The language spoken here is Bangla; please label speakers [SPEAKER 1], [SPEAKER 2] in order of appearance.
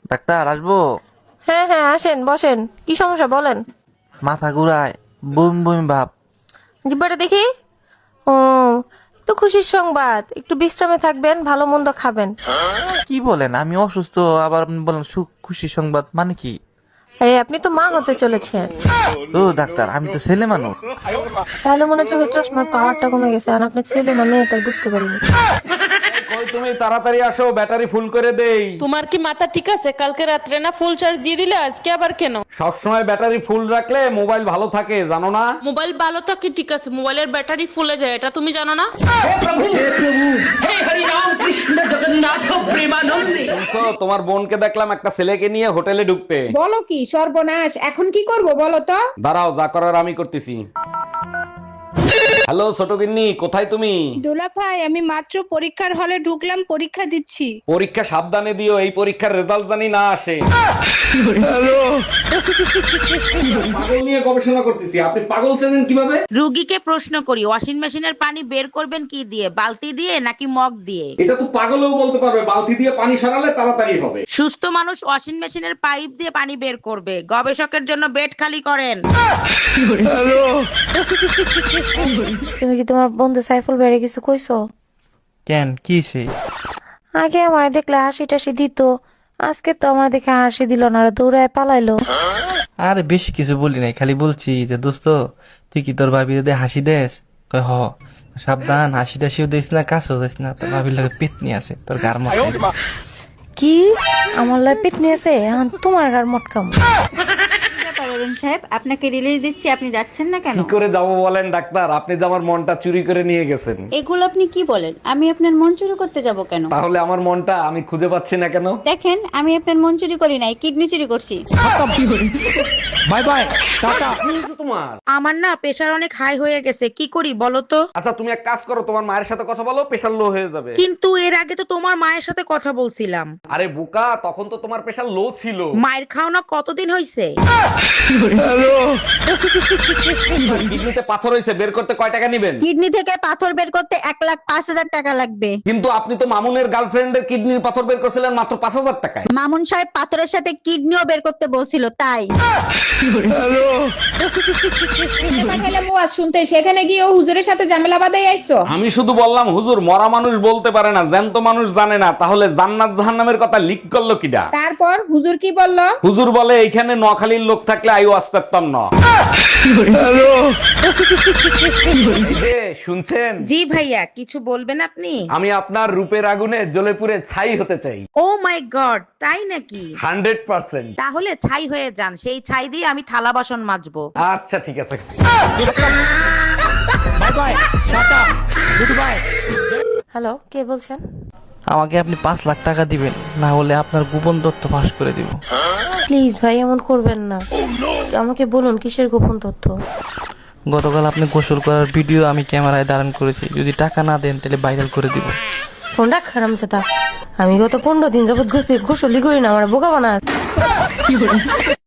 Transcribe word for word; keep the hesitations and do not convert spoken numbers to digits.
[SPEAKER 1] ডাক্তার আসবো?
[SPEAKER 2] হ্যাঁ হ্যাঁ আসেন বসেন, কি সমস্যা বলেন।
[SPEAKER 1] মাথা ঘুরায়, বমি বমি ভাব।
[SPEAKER 2] জিব্বাটা দেখি। ও তো খুশির সংবাদ, একটু বিশ্রামে থাকবেন, ভালো মন্দ খাবেন।
[SPEAKER 1] কি বলেন, আমি অসুস্থ আবার আপনি বলেন সুখ খুশি সংবাদ, মানে কি?
[SPEAKER 2] আরে আপনি তো মা হতে চলেছেন।
[SPEAKER 1] ও ডাক্তার, আমি তো ছেলে মানুষ।
[SPEAKER 2] তাহলে মনে হচ্ছে চশমার পাওয়ারটা কমে গেছে, আর আপনার ছেলে না মেয়ে তাই বুঝতে পারিনি।
[SPEAKER 3] কই তুমি তাড়াতাড়ি আসো, ব্যাটারি ফুল করে দেই।
[SPEAKER 4] তোমার কি মাথা ঠিক আছে? কালকে রাত্রে না ফুল চার্জ দিয়ে দিলে, আজকে আবার কেন?
[SPEAKER 3] সবসময় ব্যাটারি ফুল রাখলে মোবাইল ভালো থাকে, জানো না?
[SPEAKER 4] মোবাইল ভালো থাকে ঠিক আছে, মোবাইলের ব্যাটারি ফুলে যায়, এটা তুমি জানো না?
[SPEAKER 3] শুনছো, তোমার বোনকে দেখলাম একটা ছেলেকে নিয়ে হোটেলে ঢুকতে।
[SPEAKER 5] বলো কি সর্বনাশ, এখন কি করব বলো তো?
[SPEAKER 3] দাঁড়াও, যা করার আমি করতেছি। হ্যালো ছোট গিন্নি, কোথায় তুমি?
[SPEAKER 6] দোলা ভাই, আমি মাত্র পরীক্ষার হলে ঢুকলাম, পরীক্ষা দিচ্ছি।
[SPEAKER 3] পরীক্ষা সাবধানে দিও, এই পরীক্ষার রেজাল্ট জানি না আসে। পাগল নিয়ে গবেষণা করতেছি, আপনি পাগল চেনেন কিভাবে?
[SPEAKER 7] রুগীকে প্রশ্ন করি, ওয়াশিং মেশিনের পানি বের করবেন কি দিয়ে, বালতি দিয়ে নাকি মগ দিয়ে?
[SPEAKER 3] এটা তো পাগলও বলতে পারবে, বালতি দিয়ে পানি সরালে তাড়াতাড়ি হবে।
[SPEAKER 7] সুস্থ মানুষ ওয়াশিং মেশিনের পাইপ দিয়ে পানি বের করবে, গবেষকের জন্য বেড খালি করেন।
[SPEAKER 2] তুমি কি তোমার বন্ধু সাইফুল বেড়ে কিছু কইছো?
[SPEAKER 1] কেন, কি সে?
[SPEAKER 2] আগে আমার দেখলে হাসি টাসি দিত, আজকে তো আমার দেখে হাসি দিল না, আর দৌড়ায় পালাইলো।
[SPEAKER 1] আরে বেশি কিছু বলি নাই, খালি বলছি যে দোস্ত তুই কি তোর ভাবি যদি হাসি দেস? কয় হ। সাবধান, হাসি টাসিও দিস না, কাছেও দিস না, তোর ভাবির লাগে পেতনি আছে তোর গার মধ্যে।
[SPEAKER 2] কি আমার লাই পিটনি আছে? এখন তোমার গার মটকাম।
[SPEAKER 8] অরুণ সাহেব, আপনাকে রিলিজ দিচ্ছি, আপনি যাচ্ছেন না কেন?
[SPEAKER 3] কি করে যাবো বলেন ডাক্তার, আপনি যে আমার মনটা চুরি করে নিয়ে গেছেন।
[SPEAKER 8] এগুলো আপনি কি বলেন? আমি আপনার মন চুরি করতে যাব কেন?
[SPEAKER 3] তাহলে আমার মনটা আমি খুঁজে পাচ্ছি না কেন?
[SPEAKER 8] দেখেন, আমি আপনার মন চুরি করি নাই, কিডনি চুরি করছি।
[SPEAKER 3] Bye bye, ta ta. তোমার
[SPEAKER 7] আমার না প্রেশার অনেক হাই হয়ে গেছে, কি করি বলো তো?
[SPEAKER 3] আচ্ছা তুমি এক কাজ করো, তোমার মায়ের সাথে কথা বলো, প্রেশার লো হয়ে যাবে।
[SPEAKER 7] কিন্তু এর আগে তো তোমার মায়ের সাথে কথা বলছিলাম।
[SPEAKER 3] আরে বুকা, তখন তো তোমার প্রেশার লো ছিল।
[SPEAKER 7] মায়ের খাওনা কতদিন হয়েছে?
[SPEAKER 3] কিডনিতে পাথর হয়েছে, বের করতে কয় টাকা নেবেন?
[SPEAKER 8] কিডনি থেকে পাথর বের করতে এক লাখ পাঁচ হাজার টাকা লাগবে।
[SPEAKER 3] কিন্তু আপনি তো মামুনের গার্লফ্রেন্ডের কিডনির পাথর বের করছিলেন মাত্র পাঁচ হাজার টাকায়।
[SPEAKER 8] মামুন সাহেব পাথরের সাথে কিডনিও বের করতে বলছিল, তাই।
[SPEAKER 5] পাঠাইলাম ওয়াজ শুনতে, সেখানে গিয়ে ও হুজুরের সাথে ঝামেলা বাঁধাই আইছো।
[SPEAKER 3] আমি শুধু বললাম হুজুর মরা মানুষ বলতে পারে না, জ্যান্ত মানুষ জানে না, তাহলে জান্নাত জাহান্নামের কথা লিক করলো কিডা?
[SPEAKER 5] তারপর হুজুর কি বলল?
[SPEAKER 3] হুজুর বলে এইখানে নখালির লোক থাকলে আইও আসতাম না। এই যে, শুনছেন?
[SPEAKER 7] জি ভাইয়া, কিছু বলবেন আপনি?
[SPEAKER 3] আমি আপনার রূপের আগুনে জ্বলে পুড়ে ছাই হতে চাই।
[SPEAKER 7] ও মাই গড, তাই নাকি?
[SPEAKER 3] Hundred percent.
[SPEAKER 7] তাহলে ছাই হয়ে যান, সেই ছাই দিয়ে আমি থালা বাসন মাজবো।
[SPEAKER 3] আচ্ছা ঠিক আছে।
[SPEAKER 2] হ্যালো, কে বলছেন?
[SPEAKER 1] আমাকে আপনি পাঁচ লাখ টাকা দিবেন, না হলে আপনার গোপন তথ্য ফাঁস করে দিব।
[SPEAKER 2] প্লিজ ভাই, এমন করবেন না। আমাকে বলুন কিসের গোপন তথ্য?
[SPEAKER 1] গতকাল আপনি গোসল করার ভিডিও আমি ক্যামেরায় ধারণ করেছি, যদি টাকা না দেন তাহলে ভাইরাল করে দিব।
[SPEAKER 2] ফোন রাখ খারাম চাতা, আমি গত পনেরো দিন যাবত গোসলি গোসলি করি না, আমার বোকা বানা।